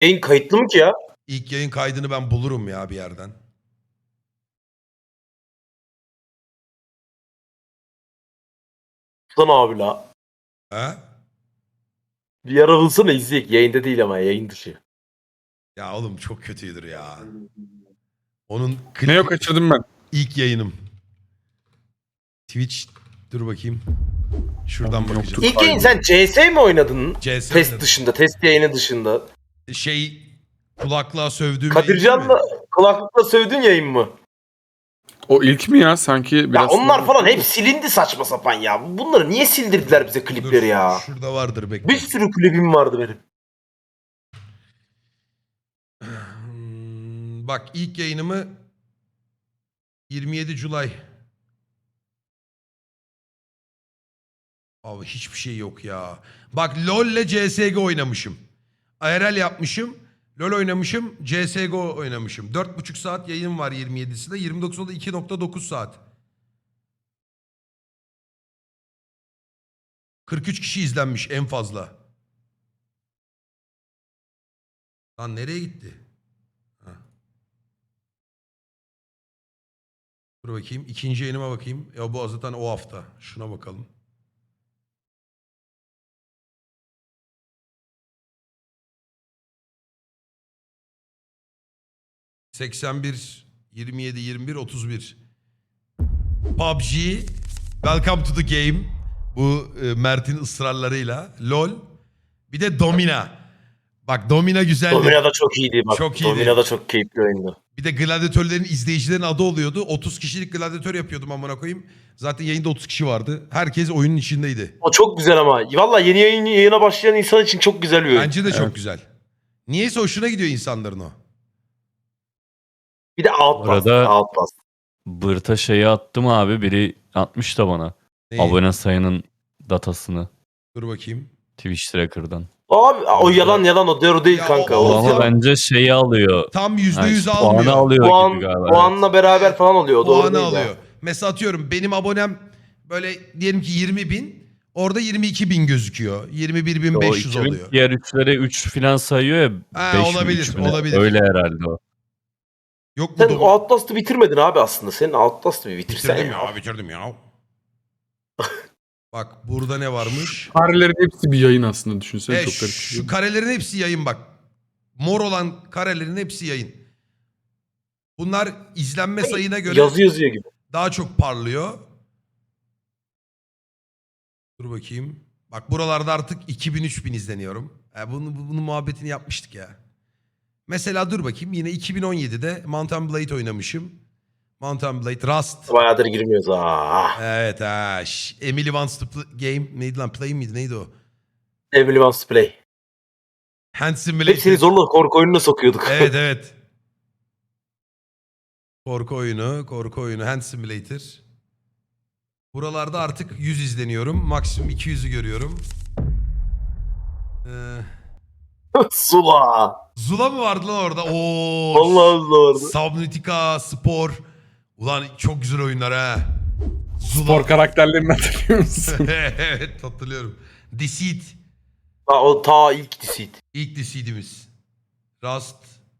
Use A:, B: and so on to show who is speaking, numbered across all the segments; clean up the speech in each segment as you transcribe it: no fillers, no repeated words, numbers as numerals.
A: Yayın kayıtlı mı ki ya?
B: İlk yayın kaydını ben bulurum ya bir yerden.
A: Lan abi la.
B: He?
A: Bir ara bulsana izleyek. Yayında değil ama yayın dışı.
B: Ya oğlum çok kötüydür ya. Onun
C: Ne yok, kaçırdım ben.
B: ilk yayınım. Twitch dur bakayım. Şuradan
C: Oğlum
B: bakacağım.
C: yoktu.
A: İlk yayın sen CS mi oynadın?
B: CS
A: Test
B: oynadım.
A: dışında, test yayını dışında.
B: Şey kulaklığa sövdüğüm yayın değil mi?
A: Kadircan'la kulaklıkla sövdüğün yayın mı?
C: O ilk mi ya? Sanki
A: Ya
C: biraz
A: onlar
C: sonra-
A: falan hep silindi saçma sapan ya. Bunları niye sildirdiler bize klipleri
B: Dur,
A: ya?
B: şurada vardır bekle.
A: Bir sürü klibim vardı benim.
B: Bak ilk yayınımı 27 Julay. Abi hiçbir şey yok ya. Bak LoL ile CSGO oynamışım. IRL yapmışım. LoL oynamışım. CSGO oynamışım. 4,5 saat yayın var 27'sinde. 29'da 2,9 saat. 43 kişi izlenmiş en fazla. Lan nereye gitti? Ha. Dur bakayım. İkinci yayınıma bakayım. Ya bu zaten o hafta. Şuna bakalım. ...81, 27, 21, 31. PUBG, Welcome to the Game. Bu Mert'in ısrarlarıyla. LoL. Bir de Domina. Bak Domina güzeldi.
A: Domina da çok iyiydi bak.
B: Çok iyiydi.
A: Domina da çok keyifli oyundu.
B: Bir de gladyatörlerin izleyicilerin adı oluyordu. 30 kişilik gladyatör yapıyordum amına koyayım. Zaten yayında 30 kişi vardı. Herkes oyunun içindeydi.
A: O çok güzel ama. Valla yeni yayına başlayan insan için çok güzel bir oyun.
B: Bence de çok
C: Evet.
B: güzel. Niyeyse hoşuna gidiyor insanların o.
A: Bir de Outlast.
D: Arada-
A: Outlast.
D: Bırta şeyi attım abi. Biri atmış da bana.
B: Neyi?
D: Abone sayının datasını
B: Dur bakayım.
D: Twitch Tracker'dan.
A: Abi o yalan o doğru değil
B: Ya
A: kanka.
B: o-
A: O,
D: Ama
A: yalan.
D: bence şeyi alıyor.
B: Tam %100
D: Yani
B: almıyor.
D: puanı alıyor
A: Puan,
D: gibi galiba.
A: puanla beraber falan oluyor. O doğru
B: Puanı
A: değil
B: alıyor.
A: ya.
B: Mesela atıyorum benim abonem böyle diyelim ki 20.000. Orada 22.000 gözüküyor. 21.500
D: O 2000
B: oluyor.
D: diğer üçlere 3 falan sayıyor ya.
B: Ha,
D: 5 mi,
B: olabilir,
D: 3 mü ne?
B: olabilir.
D: Öyle herhalde o.
B: Yok mu
A: Sen
B: Dom-
A: Outlast'ı bitirmedin abi aslında. Senin Outlast'ı bir bitirsen
B: Bitirdim
A: ya.
B: ya, bitirdim ya. Bak burada ne varmış?
C: Karelerin hepsi bir yayın aslında, düşünsene, çok garip.
B: Şu karelerin hepsi yayın bak. Mor olan karelerin hepsi yayın. Bunlar izlenme sayına göre
A: Yazı yazıyor gibi.
B: daha çok parlıyor. Dur bakayım. Bak buralarda artık 2000-3000 izleniyorum. Bunun muhabbetini yapmıştık ya. Mesela dur bakayım yine 2017'de Mount and Blade oynamışım. Mount and Blade, Rust.
A: Bayağıdır girmiyoruz ha.
B: Evet ha. Emily Wants to Game neydi lan? Play miydi? Neydi o?
A: Emily Wants to Play.
B: Hand Simulator.
A: Hep seni zorla korku oyununa sokuyorduk.
B: Evet evet. Korku oyunu, Hand Simulator. Buralarda artık 100 izleniyorum. Maksimum 200'ü görüyorum.
A: Sula.
B: Zula mı vardı lan orada? Oo.
A: Vallahi Zula vardı.
B: Subnautica, Spor. Ulan çok güzel oyunlar ha. Zula.
C: Spor karakterlerini hatırlıyor musun?
B: Evet hatırlıyorum. Deceit.
A: Ta ilk Deceit.
B: İlk Deceit'imiz. Rust.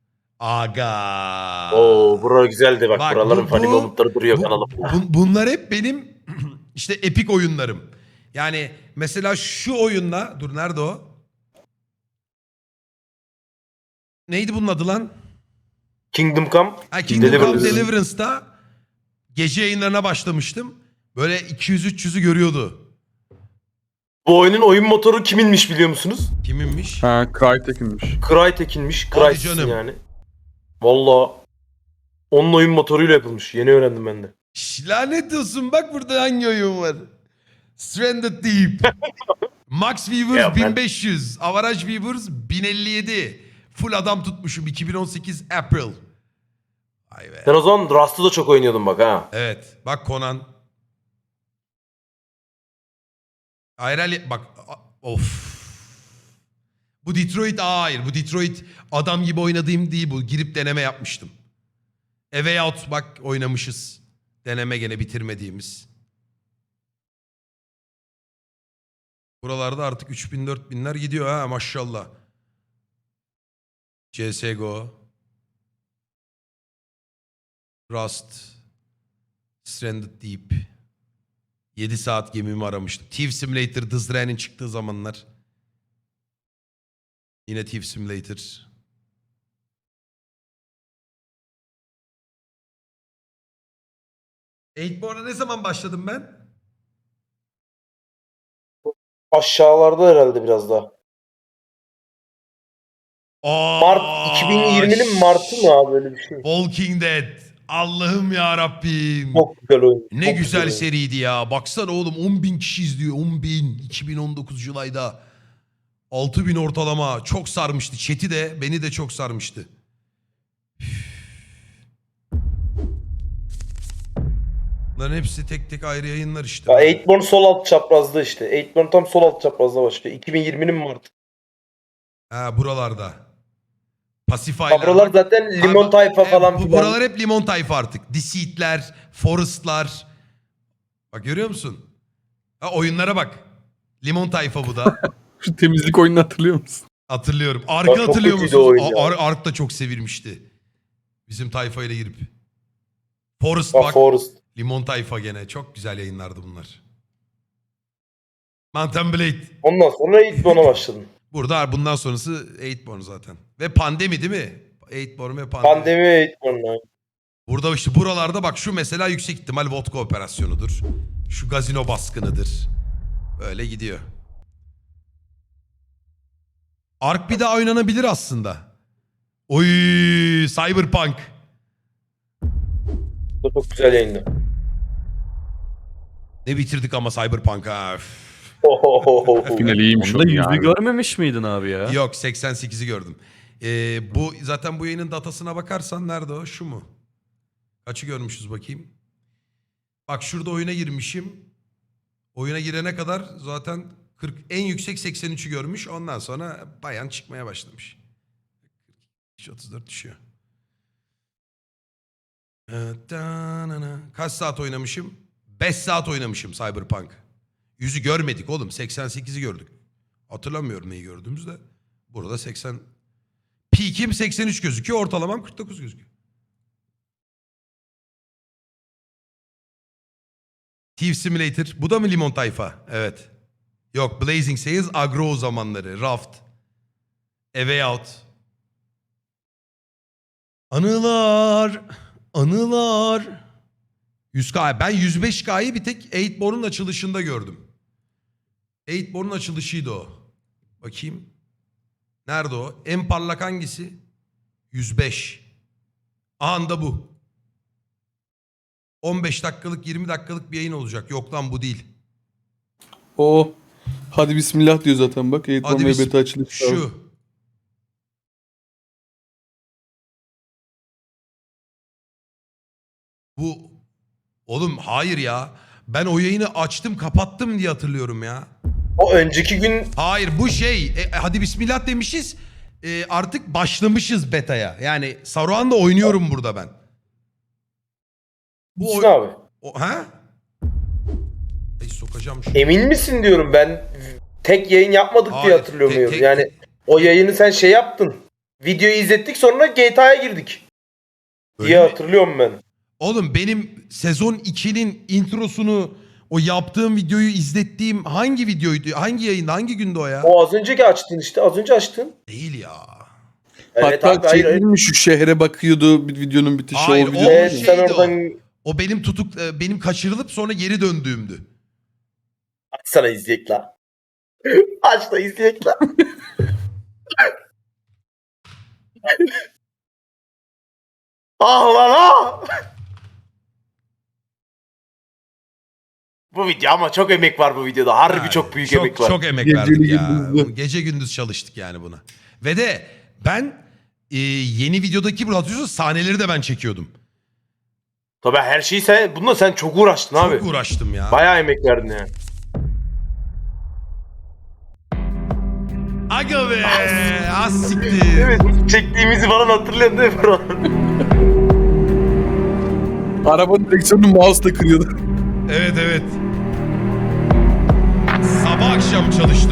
B: Aga.
A: Oo bura güzeldi bak.
B: Bak,
A: Buraların
B: bu-
A: funny
B: bu-
A: momentları duruyor
B: Bu-
A: kanalımda.
B: bunlar hep benim işte epik oyunlarım. Yani mesela şu oyunla dur nerede o? Neydi bunun adı lan?
A: Kingdom Come.
B: Ha, Kingdom Come
A: Deliverance.
B: Deliverance'da gece yayınlarına başlamıştım. Böyle 200-300'ü görüyordu.
A: Bu oyunun oyun motoru kiminmiş biliyor musunuz?
B: Kiminmiş?
C: Ha, Crytek'inmiş.
A: Crytek'inmiş.
B: Hadi
A: Crytek'in
B: canım.
A: yani. Valla. Onun oyun motoruyla yapılmış. Yeni öğrendim ben de.
B: Lanet olsun bak burada hangi oyun var? Stranded Deep. Max Viewers
A: Ya ben-
B: 1500. Average Viewers 1057. Full adam tutmuşum 2018 April. Vay be.
A: Sen o zaman Rust'ı da çok oynuyordun bak ha.
B: Evet. Bak Conan. IRL bak. Of. Bu Detroit hayır. Bu Detroit adam gibi oynadığım değil bu. Girip deneme yapmıştım. A Way Out bak oynamışız. Deneme gene bitirmediğimiz. Buralarda artık 3000-4000'ler gidiyor ha maşallah. CSGO. Rust. Stranded Deep. 7 saat gemimi aramıştım. Thief Simulator, Dizrael'in çıktığı zamanlar. Yine Thief Simulator. Eightborn'a ne zaman başladım ben?
A: Aşağılarda herhalde biraz daha. Mart 2020'nin Mart'ı mı abi, öyle bir şey.
B: Walking Dead. Allah'ım ya Rabbim.
A: Çok güzel oyun.
B: Ne
A: çok
B: güzel
A: oyun.
B: seriydi ya. Baksana oğlum 10.000 kişi izliyor. 10.000. 2019 Julay'da. 6.000 ortalama. Çok sarmıştı. Chat'i de beni de çok sarmıştı. Bunların hepsi tek tek ayrı yayınlar işte.
A: Ya Eightborn sol alt çaprazda işte. Eightborn tam sol alt çaprazda başlıyor. 2020'nin Mart'ı.
B: Ha buralarda. Pasify'lar.
A: Buralar zaten limon
B: Abi,
A: tayfa falan filan.
B: Buralar hep limon tayfa artık. Deceit'ler, Forest'lar. Bak görüyor musun? Ha, oyunlara bak. Limon tayfa bu da.
C: Şu temizlik oyununu hatırlıyor musun?
B: Hatırlıyorum.
A: Bak,
B: Ark'ı
A: çok
B: hatırlıyor
A: kötüydü
B: musunuz?
A: o oyun ya.
B: Ark da çok sevilmişti. Bizim tayfayla girip. Forest
A: Bak,
B: bak.
A: Forest.
B: Limon tayfa gene. Çok güzel yayınlardı bunlar. Mountain Blade.
A: Ondan sonra Eightborn'a başladım.
B: Burada bundan sonrası Eightborn zaten. Ve pandemi değil mi? Eightborn ve pandemi.
A: Pandemi ve Eightborn'a.
B: Burada işte buralarda bak şu mesela yüksek ihtimal vodka operasyonudur. Şu gazino baskınıdır. Böyle gidiyor. Ark bir daha oynanabilir aslında. Oy, Cyberpunk.
A: Bu çok güzel yayındı.
B: Ne bitirdik ama Cyberpunk'a. Üf.
C: Finali iyiymiş
D: Onda
C: onun
D: yüzü
C: ya.
D: görmemiş miydin abi ya?
B: Yok 88'i gördüm. Bu zaten bu yayının datasına bakarsan nerede o? Şu mu? Kaçı görmüşüz bakayım. Bak şurada oyuna girmişim. Oyuna girene kadar zaten 40 en yüksek 83'ü görmüş. Ondan sonra bayan çıkmaya başlamış. 34 düşüyor. Kaç saat oynamışım? 5 saat oynamışım Cyberpunk. Yüzü görmedik oğlum. 88'i gördük. Hatırlamıyorum neyi gördüğümüzde. Burada 80. Peak'im 83 gözüküyor. Ortalamam 49 gözüküyor. Thief Simulator. Bu da mı limon tayfa? Evet. Yok. Blazing Sails agro zamanları. Raft. A Way Out. Anılar. Anılar. 100K. Ben 105K'yı bir tek Eightborn'un açılışında gördüm. Eightborn'un açılışıydı o. Bakayım. Nerede o? En parlak hangisi? 105. Anda bu. 15 dakikalık 20 dakikalık bir yayın olacak. Yok lan bu değil.
C: O hadi bismillah diyor zaten bak. Eightborn
B: Hadi
C: ve
B: biz
C: beta açılış.
B: şu. Bu oğlum hayır ya. Ben o yayını açtım kapattım diye hatırlıyorum ya.
A: O önceki gün
B: Hayır bu şey hadi bismillah demişiz. Artık başlamışız beta'ya. Yani Saruhan'da oynuyorum burada ben. Bu
A: Hüsnü abi.
B: ha? Ay sokacağım şunu.
A: Emin misin diyorum, ben tek yayın yapmadık
B: Hayır,
A: diye hatırlıyorum.
B: tek-
A: Yani o yayını sen şey yaptın. Videoyu izlettik, sonra GTA'ya girdik.
B: Öyle
A: diye
B: mi?
A: hatırlıyorum ben.
B: Oğlum benim sezon 2'nin introsunu o yaptığım videoyu izlettiğim hangi videoydu? Hangi yayında? Hangi günde o ya?
A: O az önceki açtın işte. Az önce açtın.
B: Değil ya.
A: Evet
C: Hatta
A: abi, hayır, hayır.
C: mi şu şehre bakıyordu bir videonun bitişi
B: Hayır,
C: o
B: o-
C: video.
A: Evet,
B: şeydi
A: sen oradan
B: O benim benim kaçırılıp sonra geri döndüğümdü.
A: açsana, izleyek la. Aç da izleyek la. Ah lan ah. Bu video ama çok emek var bu videoda. Harbi
B: Yani
A: çok büyük emek var.
B: Çok emek
C: Geceli
B: verdik ya.
C: gündüzlü.
B: Gece gündüz çalıştık yani buna. Ve de ben yeni videodaki bu hatırlıyorsunuz sahneleri de ben çekiyordum.
A: Tabii her şeyi bununla sen çok uğraştın abi.
B: Çok uğraştım ya.
A: Bayağı emek verdin yani.
B: Aga be! Az siktir.
A: Evet, çektiğimizi falan hatırlıyorsun değil mi bro?
C: Arabanın direksiyonunu mouse'la kırıyordu.
B: Evet evet. Sabah akşam çalıştım.